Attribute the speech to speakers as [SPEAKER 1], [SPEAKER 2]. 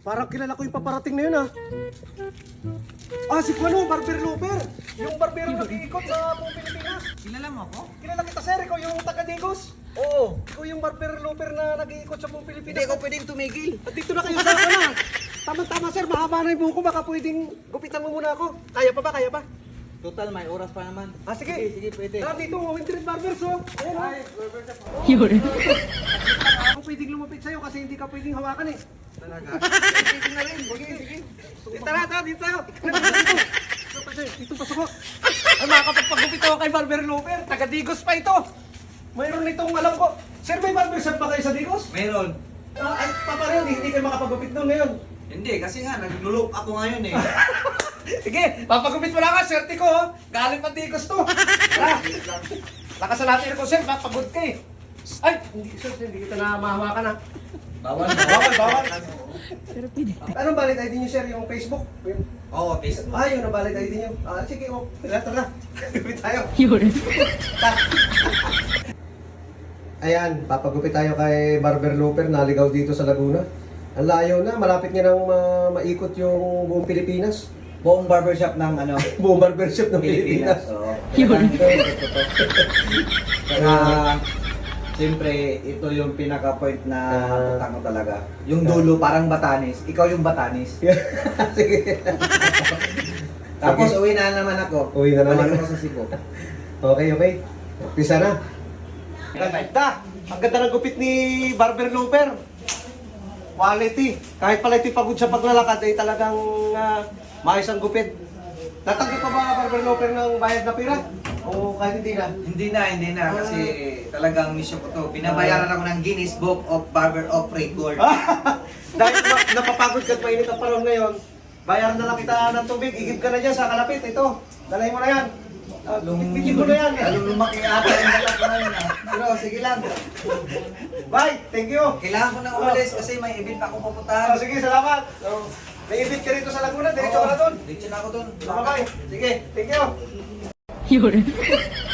[SPEAKER 1] Parang kilala ko yung paparating na yun ah. Ah, si Kuano, Barber Looper. Yung barbero nag-iikot sa buong Pilipinas.
[SPEAKER 2] Kilala mo ako?
[SPEAKER 1] Kilala kita sir, ikaw yung taga-Digos.
[SPEAKER 2] Oo.
[SPEAKER 1] Ikaw yung Barber Looper na nag-iikot sa buong Pilipinas.
[SPEAKER 2] Hindi ako pwedeng tumigil.
[SPEAKER 1] At dito na kayo sa ako na. Tama-tama sir, mahaba na yung buko. Baka pwedeng gupitan mo muna ako. Kaya pa ba? Kaya pa?
[SPEAKER 2] Total, may oras pa naman.
[SPEAKER 1] Ah, sige.
[SPEAKER 2] Sige, pwede.
[SPEAKER 1] Tara dito, Wintred Barbers oh. Ayan oh.
[SPEAKER 2] Ay, barber shop ako.
[SPEAKER 3] Yun.
[SPEAKER 1] Ako pwedeng lumapit sa'yo kasi hindi ka pwedeng hawakan eh.
[SPEAKER 2] Talaga? Pwede na rin. Sige, sige.
[SPEAKER 1] Tara, dito tayo. Dito pasok ko. Ay, makakapagpagupit ako kay Barber Looper. Taga-Digos pa ito. Mayroon itong alam ko. Sir, may barber shop ba kayo sa Digos?
[SPEAKER 2] Meron.
[SPEAKER 1] Ay, papareho, hindi kayo makapagupit doon ngayon.
[SPEAKER 2] Hindi, kasi nga, naglulop ako ngayon eh.
[SPEAKER 1] Sige, papagupit mo lang ka, swerte ko, oh. Galing pa Digos to. Tara, lakasan natin ko, sir, papagod ka eh. Ay, hindi kita na mahawakan ha.
[SPEAKER 2] Bawal.
[SPEAKER 1] Bawal.
[SPEAKER 3] Pero pwede.
[SPEAKER 1] Anong valid ID niyo, sir, yung Facebook? Yun.
[SPEAKER 2] Oo, Facebook.
[SPEAKER 1] Ah, yun ang valid ID niyo. Ah, sige, oh. Tara. Gupit tayo.
[SPEAKER 3] Yun.
[SPEAKER 1] Ayan, papagupit tayo kay Barber Looper, naligaw dito sa Laguna. Ang layo na, malapit niya nang maikot yung buong Pilipinas.
[SPEAKER 2] Buong barbershop ng ano,
[SPEAKER 1] Buong barbershop ng Pilipinas.
[SPEAKER 2] Oo.
[SPEAKER 3] Yun.
[SPEAKER 2] Kaya, siyempre, ito yung pinaka-point na punta ko talaga. Yung dulo, parang Batanes. Ikaw yung Batanes.
[SPEAKER 1] Sige.
[SPEAKER 2] Tapos,
[SPEAKER 1] Okay.
[SPEAKER 2] uwi na naman ako.
[SPEAKER 1] Uwi na naman.
[SPEAKER 2] Balik ako sa Cebu.
[SPEAKER 1] Okay. Pisa na. Ganda. Ang ganda ng gupit ni Barber Looper. Quality. Kahit pala ito'y pagod sa paglalakad, ay talagang maayos ang gupit. Natanggap pa ba Barber Looper ng bayad na pira? O kahit hindi na?
[SPEAKER 2] Hindi na. Kasi talagang mission ko to. Binabayaran ako ng Guinness Book of Barber of Record.
[SPEAKER 1] Dahil napapagod ka at mainit ang panahon ngayon, bayaran na lang kita ng tubig, igib ka na dyan sa kalapit. Ito, dalhin mo na yan. Bigyan mo na yan.
[SPEAKER 2] Lalong lumaki ata yung mata ko ngayon ah. Pero sige lang.
[SPEAKER 1] Bye, thank you.
[SPEAKER 2] Kailangan ko na umalis kasi may event pa akong
[SPEAKER 1] Ah,
[SPEAKER 2] pupuntahan.
[SPEAKER 1] sige, salamat. So, may invite ka rito sa Laguna, diretso ka na doon.
[SPEAKER 2] Diretso na ako doon.
[SPEAKER 1] Bye-bye. Sige, thank you.
[SPEAKER 3] Yun.